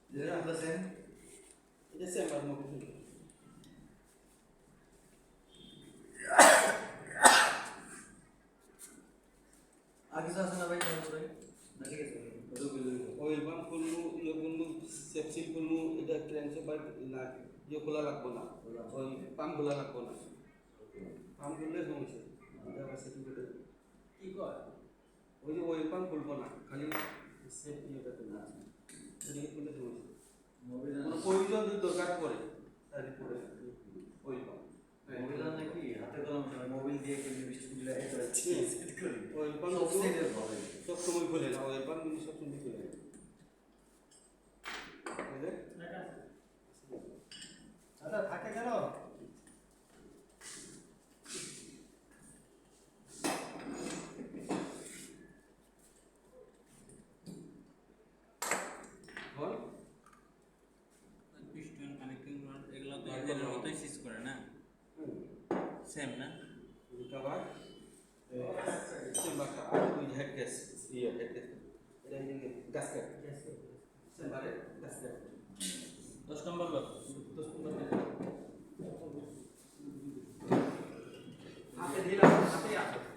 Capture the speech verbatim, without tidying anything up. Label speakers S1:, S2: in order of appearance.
S1: যেটা বলতেছেন
S2: এটা চেম্বার মুখ
S1: আর কিছু আছে না ভাই তারপরে না ঠিক আছে
S2: অয়েল পাম্প করবো ইয়ে করবো সেপসিল করবো এটা ট্রান্সফার না ইয়ে খোলা লাগবো না ওই পাম্প খোলা লাগবো না পাম্প করলে সমস্যা এটা আবার সেটিং করে
S1: কি কয়
S2: ওই যে অয়েল পাম্প খুলবো না খালি সেট ইয়েটা করবো সেটিং করলে সমস্যা
S1: মোবিল
S2: কোনো প্রয়োজন যদি দরকার পড়ে তারপরে অয়েল পাম্প
S1: মোবিল নাকি হাতে কলম মোবিল দিয়ে কিন্তু বিস্কুটগুলো এই করে সেট করি
S2: অয়েল পাম্প
S1: সব সেটের ভালো
S2: সব সময় খুলে না অয়েল পাম্প কিন্তু সব সময় খুলে না বুঝলে
S1: আচ্ছা থাকে কেন
S2: হল
S3: পিস্টন কানেক্টিং রড এগুলো তো এদের মতোই সিজ করে না সেম না
S2: রিকভার চেম্বারটা আর ওই হেড গ্যাস ইয়ে হেড গ্যাস এটা হচ্ছে গ্যাসকেট চেম্বারে গ্যাসকেট
S3: দশ নম্বর লোক
S2: দশ পনেরো মিনিট হাতে দিলাম হাতে আসো